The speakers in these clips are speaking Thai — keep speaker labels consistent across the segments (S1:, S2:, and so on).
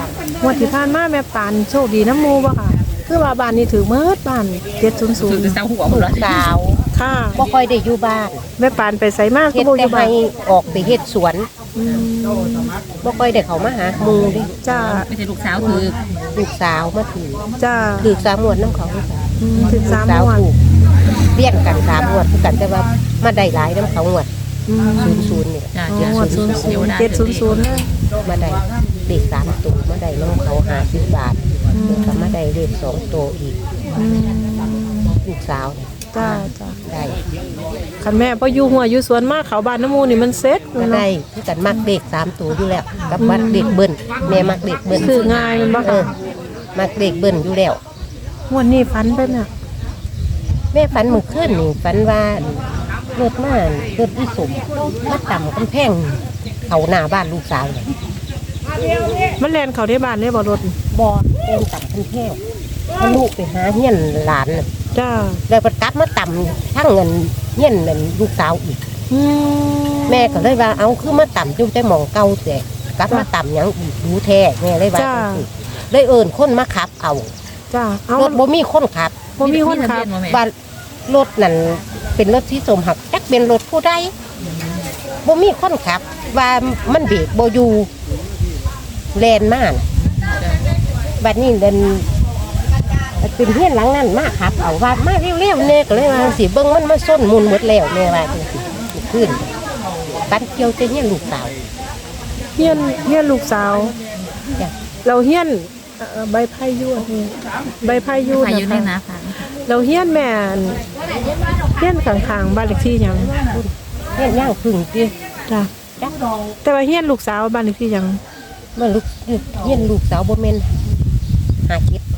S1: งวดที่ผ่านมาแม่ปานโชคดีน้ำมูบ่ค่ะคือว่าบ้านนี้ถือเมิดบ้าน700
S2: ถือจะเศร้าหัวหมดเลย
S3: สาว
S1: ค่ะ
S3: บ่ค่อยได้อยู่บ้าน
S1: แม่ปานไปไสมากก็
S3: เฮ็ด
S1: บ่อ
S3: แต่
S1: ยู่บ้า
S3: ให้
S1: น
S3: ออกไปเฮ็ดสวน
S1: อืม
S3: บ่ค่อยได้เข้ามาหาหมู่เดิ
S1: จ้า
S2: ไม่ใช่ลูกสาวถือ
S3: ลูกสาวมาถือ
S1: จ้า
S3: ถือสามงวดน้ำเขา
S1: ถึง
S3: ลูก
S1: 3
S3: สาว
S1: งวด
S3: ถูกเลี้ยงกันสามงวดคือกันแต่ว่ามาได้หลายน้ำเขางวด
S1: อืม
S3: 00นี่
S2: จ้า
S1: อ๋อ
S2: เจ้าง
S1: วด
S2: เดี๋ยวได้
S1: 700เลย
S3: มาได้เลข3ตัวมาได้น้ำเขา50 บาทแล้วก็มาได้เลข2ตัวอีก
S1: อืม
S3: ลูกสาวเนี่ย
S1: จ้าจ้า
S3: ได้
S1: คันแม่พออยู่หัวอยู่สวนมากเขาบ้านน้ำมูนี่มันเซ็ต
S3: ก็ได้คือกันมักเลข3ตัวอยู่แล้วกับมักเลขเบิ้ลแม่มักเลขเบิ้ล
S1: คือง่ายมันบ่
S3: เอ
S1: ค่ะ
S3: อมักเลขเบิ้ลอยู่แล้ว
S1: งวดนี้ฝันไปน่ะ
S3: แม่ฝันเมื่อคืนนี่ฝันว่ารถมารถอีสมมาต่ำกำแพงเขาหน้าบ้านลูกสาวเลย
S1: มันแล่นเข้าในบ้านได้บ่รถ
S3: บอเดินต่ำกำแพงพาลูกไปหาเฮียนหลานน่ะ
S1: จ้า
S3: แล้วก็กลับมาต่ำทั้งเงินเฮียนนั่นลูกสาวอีก
S1: อืม
S3: แม่ก็เลยว่าเอาคือมาต่ำจุ่มแต่หมองเก่าแต่กลับมาต่ำหยังอีกดูแท้แม่เลยว่าจังซี้เลยเอิ้นคนมาขับเอา
S1: จ้าเอา
S3: รถบ่มีคนขับ
S1: บ่มีคนขับ
S3: ว่ารถนั่นเป็นรถที่สมหักจักเป็นรถผู้ใดบ่มีคนขับ ว่ามันเบรกบ่อยู่แลนมาน่ะบัดนี้เดินเป็นเฮียนหลังนั้นมาขับ เอาว่ามาเร็วๆแน่ก็เลยว่าสิเบิ่งมันมาส้นมุนหมดแล้วแม่ว่าจังซี่ขึ้นปันเกี่ยวแต่เฮียนลูกสาว
S1: เฮียนลูกสาว
S3: จ้ะ
S1: เราเฮียนใบไผ่ยวดนี่ใบไผ่ยวด
S2: ใครอยู่ใน
S1: นะคะ
S2: นาฟัง
S1: เราเฮียนแม่นเฮียนข้างๆบ้านเลขที่หยัง
S3: เฮียนย่างพึ่งติ
S1: จ้ะ
S3: จัก
S1: แต่ว่าเฮียนลูกสาวบ้านเลขที่หยัง
S3: มาลูกเฮียนลูกสาวบ่แม่นหาเก็บ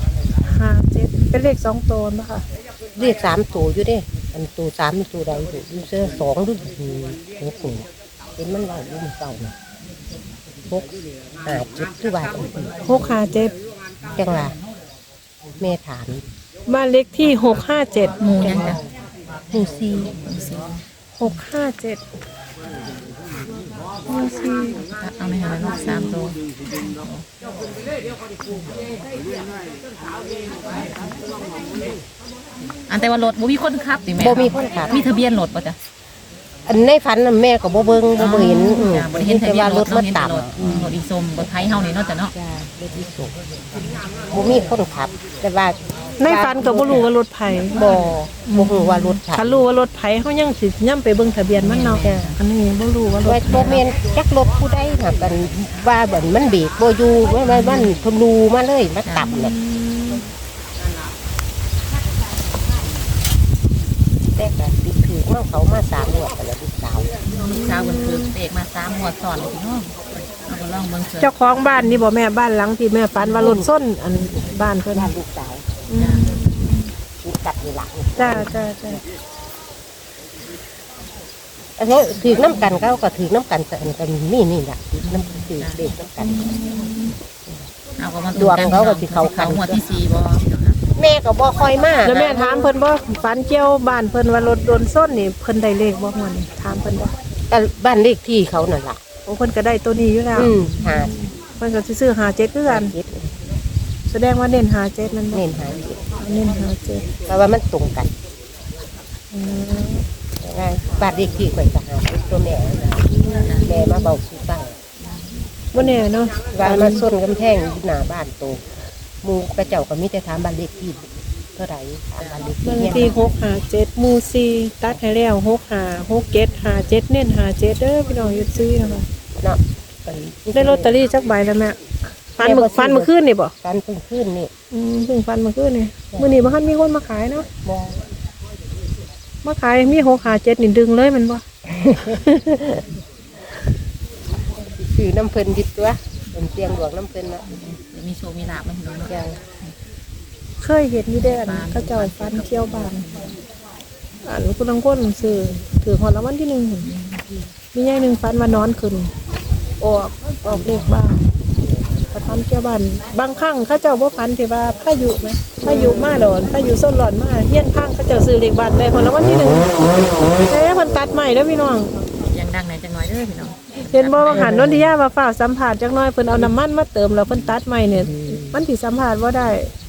S1: 57เป็นเลข2ตัวบ่ค่ะ
S3: เรียก3ตัวอยู่เด้อันตัว3มันตัวใดอยู่เสื้อ2หรือ6นี่เห็นมันเว้าอยู่มันเก่าน่ะ6 5 7คือว่าจังซี่
S1: 657
S3: จังว่าแม่ถาม
S1: บ้านเลขที่657
S2: หมูยังจ้ะ
S3: หมู่ซี
S1: 657หมู่สี่
S2: เอาไม่หาลูก3ตัวอันแต่ว่ารถบ่มีคนขับติแม่
S3: บ่มีคนขับ
S2: มีทะเบียนรถป่ะจ้ะ
S3: อันในฝันน่ะแม่ก็บ่เบิ่งบ่เห็น
S2: จ้ะบ่ได้เห็นทะ
S3: แต่
S2: เบีย
S3: ว่าน ร
S2: ร
S3: ถ
S2: ถ
S3: มัน
S2: เห็นแต่
S3: ต่ำ
S2: รถรถอีส้มรถไทยเฮานี่เนาะจ้ะเนาะ
S3: จ้ารถที่สุบ่มีคนขับ แต่ว่า
S1: ในฝันก็บ่รู้ว่ารถไผ
S3: บ่ฮู้ว่ารถขับ
S1: คันรู้ว่ารถไผเฮายังสิย่ํไปเบิ่งทะเบียนมันเนาะ
S3: จ้ะ
S1: อันนี้บ่รู้ว่าร
S3: ว่า
S1: ถ
S3: บ่แม่นจักรถผู้ใดน่ะกันว่าเหมือนมันเบรกบ่อยู่ว่ามันทะลูมาเลยมาต่ำน่ะแต่ก็ติดถือมันเขามา3งวดแล้วลูกสาว
S2: ลูกสาวเพิ่นคือเด็กมา3หัวซ้อนเลยพี่น้องเอาก็ลองเบิ่งเถ
S1: เจ้า
S2: อะ
S1: ของบ้านนี่บ่แม่บ้านหลังที่แม่ฝันว่ารถส้นอันบ้านเพิ่น
S3: บ้านลูกสาว
S1: อืม
S3: ลูกกัดนี่ล่ะ
S1: จ้าจ้าจ้า
S3: อันนี้ถือน้ำกันเขาก็ถือน้ำกันกันนี่ล่ะน้ำถือเด็กน้ำกัน
S2: เอาก็มา
S3: ดวงเขาก็สิเข้ากัน
S2: หัวที่4บ่พี่น้องนะ
S3: แม่ก็บ่ค่อยมา
S1: แล้วแม่ถามเพิ่นบ่ฝันเกี่ยวบ้านเพิ่นว่ารถโดนส้นนี่เพิ่นได้เลขบ่ม่วนนี่ถามเพิ่นบ่
S3: ก็บ้านเลขที่เขานั่นล่ะ
S1: โอ้เพิ่นก็ได้ตัวนี้อยู่แล้ว
S3: หา
S1: เพิ่นก็สิซื้อ57คือกัน
S3: เจ็ด
S1: แสดงว่าเน้น57นั่นบ่
S3: เน้นหาเจ็ด
S1: เน้น57
S3: เพราะว่ามันตรงกัน
S1: อืม
S3: บ้านเลขที่ข่อยก็หาตัวแม่แม่มาเบาสู่ฟัง
S1: บ่แน่เนาะ
S3: ว่ามาส้นกำแพงอยู่หน้าบ้านโตหมู่กระเจ้าก็มีแต่ถามบ้านเลขที่เท่าไหร่ถามบ้านเลขที่
S1: บ้านเล
S3: เนี่
S1: ข
S3: ย
S1: ที่657หมู่4ตัดให้แล้ว656757เน้น57เด้อพี่น้องอยู่ซื้อนะคะ
S3: เนาะ
S1: ได้ลอตเตอรี่จักใบแล้วแม่ฟันเมื่อคืนนี่บ่
S3: การเพิ่งขึ้นนี่
S1: เพิ่งฟันเมื่อคืนนี่มื้อนี้บ่ทันมีคนมาขายเนาะ
S3: บ่
S1: มาขายมี657นี่ดึงเลยแมันบ่
S3: คือน้ำเพิ่นดิบตัวเป็นเตียงหลวงน้ำเพิ่นนะ
S2: เดี๋ยวมีโชว์มีลาบมาพี่น้องเนาะ
S3: อย่าง
S1: เคยเห็นอยู่เด้อนเขาเจ้าฟันเที่ยวบ้านอันคุณลังคนซื้อถือหอดรางวัลที่1มีใหญ่หนึงฟันว่านอนขึ้นออกเลขบ้านถ้าฟันเที่ยวบ้านบางครั้งเขาเจ้าบ่ฟันที่ว่าพายุไหมพายุมาหลอนพายุส้นหลอนมาเฮียนข้างเขาเจ้าซื้อเลขบ้านได้หอดรางวัลที่1เพิ่นตัดใหม่เด้อพี่น้อง
S2: ยังดังไหนจังน้อยเด้อพี่น้อง
S1: เห็นบ่ว่าหันนนทิยาว่าฝ้าวสัมผัสจักหน่อยเพิ่นเอาน้ำมันมาเติมแล้วเพิ่นตัดใหม่เนี่ยมันสิสัมผัสบ่ได้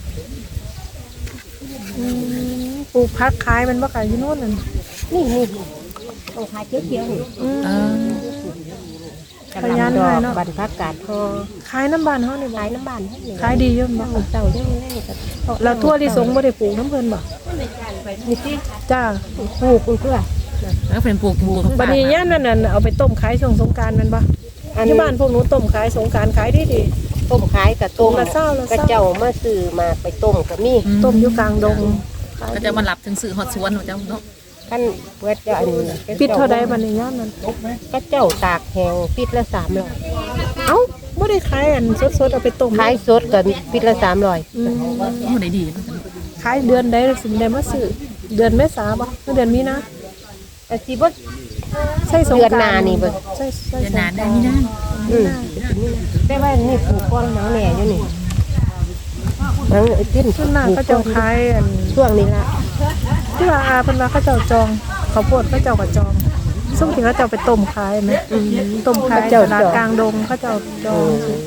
S1: ปลูกผักขายมันบ่ขายอยู่โน่นนั่น
S3: นี่ตรงขายเขียวๆนี่
S2: เออ
S3: กำลังดอกบันพักกาดทอ
S1: ขายน้ำบ้านเฮานี่บ่
S3: ขายน้ำบานให้นี่
S1: ขายดีอยู่บ่
S3: เต่าเรื่องแรกกับ
S1: แล้วทั่วลิสงบ่ได้ปลูกน้ำเพิ่นบ่
S3: นี่สิ
S1: จ้า
S3: ปลูกเพื่อ
S2: แล้วเป็นปลูก
S1: บัดนี้ย่ามนั้นน่ะเอาไปต้มขายช่วงสงกรานต์แม่นบ่อยู่บ้านพวกหนูต้มขายสงกรานต์ขายดี
S3: ต้มขายกับต้ม
S1: ละเศร้า
S3: กระเจ้ามาซื้อมาไปต้มกับมี
S1: ๆต้มอยู่กลางดง
S2: ก็จะมารับถึงสื่อฮอดสวนเจ้าเนาะ
S3: ขั้นเพื่อจะอันนี้
S1: ปิดเท่าใดบัดนี้ย่ามนั้น
S3: กระเจ้าตากแห้งปิดละ300
S1: เอ้าบ่ได้ขายอันสดๆเอาไปต้ม
S3: ขายสดกันปิดละ300
S1: อืม
S2: โอ้ได้ดี
S1: ขายเดือนใดสิได้มาซื้อเดือนเมษาบ่หรือเดือนมีนา
S3: แต่สิบ่
S1: ใช่สงกรานต์
S3: เดือนหน้านี่เบิ่ง
S1: ใช่
S2: เดือนหน้าได้นี่นะ
S3: แต่ว่านี่ปลูกก้อนหนังแหน่อยู่นี่หนังเต้น
S1: ส่วนมากเขาเจ้าขายอัน
S3: ช่วงนี้ละ
S1: ที่ว่าอาเพิ่นว่าเขาเจ้าจองข้าวโพดเขาเจ้าก็จองซึ่งที่เขาเจ้าไปต้มขายไหมต้มขายตลาดกลางดงเขาเจ้าจอง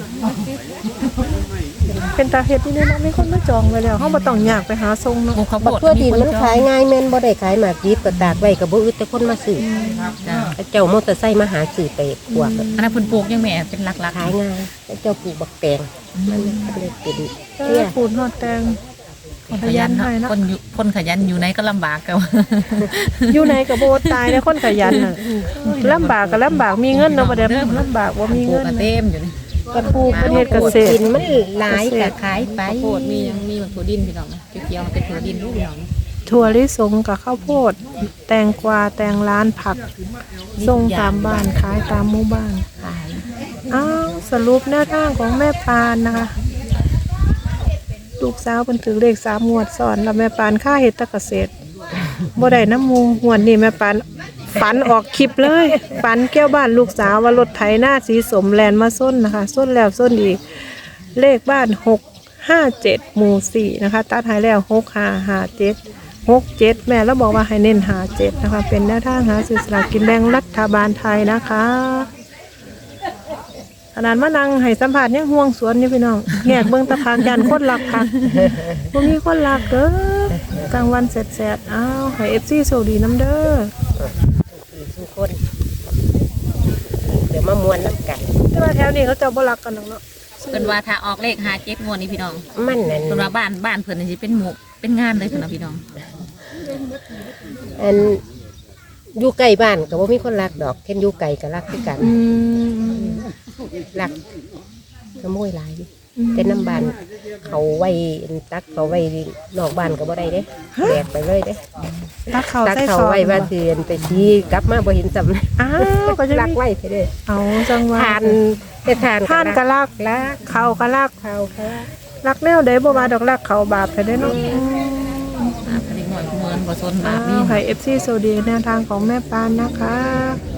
S1: เป็นตาเฮ็ดนี่เนาะมีคนมาจองไว้แล้วเฮาบ่ต้องยากไปหาส่งเนาะ
S2: ปลูกข้าวโพ
S3: บัก
S2: ด
S3: ทั่วดินมันขายง่ายแม่นบ่ได้ขายหมากดิบก็ตากไว้ก็บ่อึดแต่คนมาซื้อ
S2: จ้า
S3: เจ้ามอเตอร์ไซค์มาหาซื้อไปพวก
S2: อันนั้นเพิ่นปลูกยังแม่เป็นหลัก
S3: ขายง่ายเจ้าปลูกบักแตงมันก็เลยเป็น
S1: เอ
S3: เตี้
S1: อย ปูนฮอดแตง
S2: คนขยันเนาะคนขยันอยู่ไหนก็ลำบากกัน
S1: อยู่ในก็บ่ตายในคนขยันน่ะลำบากก็ลำบากมีเงินเนาะบ่ได้ลำบากบ่มี
S2: ปลู
S1: เงิ
S2: ก
S1: น
S2: กระเต็มอยู่นี่
S1: ก็ปลูกประเทศเกษตร
S3: กินมันหลายก็ขายไป
S2: ข้าวโพดมียังมีมันถั่วดินพี่น้องเกี่ยวๆมันเป็นถั่วดินพี่น้อง
S1: ถั่วลิสงกับข้าวโพด แตงกวาแตงร้านผักส่งตามบ้านขายตามหมู่บ้าน
S2: ขาย
S1: อ้าวสรุปแนวทางของแม่ปานนะคะลูกสาวเพิ่นถือเลข3 งวดซ้อนแล้วแม่ปานค่าเฮ็ดแตะเกษตรบ่ได้น้ำมูงวดนี้แม่ปานฝันออกคลิปเลยฝันเกี่ยวบ้านลูกสาวว่ารถไถหน้าสีสมแลนมาส้นนะคะส้นแล้วส้นอีกเลขบ้าน657หมู่4นะคะตัดให้แล้ว6557 67แม่แล้วบอกว่าให้เน้น57นะคะเป็นแนวทางหาซื้อสลากกินแบ่งรัฐบาลไทยนะคะขนาดมานั่งให้สัมผัสยังห่วงสวนนี่พี่น้องแงกเบิ่งตะพานยันคนรักค่ะบ่มีคนรักเด้อกลางวันแสดๆอ้าวให้ FC โชคดีน้ำเด้อ
S3: ทุกคนเดี๋ยวมามวนน้ำกัน
S1: แต่ว่าแถวนี้เขาเจ้าบ่รักกันหรอกเนาะ
S2: เพิ่นว่าถ้าออกเลข57งวดนี้พี่น้อง
S3: มันนั่น
S2: เพิ่นว่าบ้านเพิ่นนี่สิเป็นหมู่เป็นงานเลยเพิ่นว่าพี่น้อง
S3: อันอยู่ใกล้บ้านก็บ่มีคนรักดอกเช่นอยู่ไกลก็รักคือกัน รักขโมยหลายอยู่แต่น้ำบ้านเขาไว้ตักเขาไว้นอกบ้านก็บ่ได้เด้แบกไปเลยเด้
S1: ตักเขา
S3: ตัก
S1: ใส่
S3: เขา
S1: ซอง
S3: ไว้ว่าสิเดินไปชี้กลับมาบ่เห็นสำ
S1: อ้าวก็จะ
S3: รัก
S1: มี
S3: ไว้ไปเด้อ
S1: เอาจังว่า
S3: ทานแต่ทาน
S1: ท่านก็รัก
S3: รัก
S1: เขาก็รัก
S3: เขาค่ะ
S1: รักแนวใดบ่ว่าดอกรักเขาบาปไปได้อเนาะ
S2: เด็กหน่อยเหมือนบ่สนบา
S1: อ้า
S2: ปนี่
S1: วให้ FC โซดีแนวทางของแม่ปานนะคะ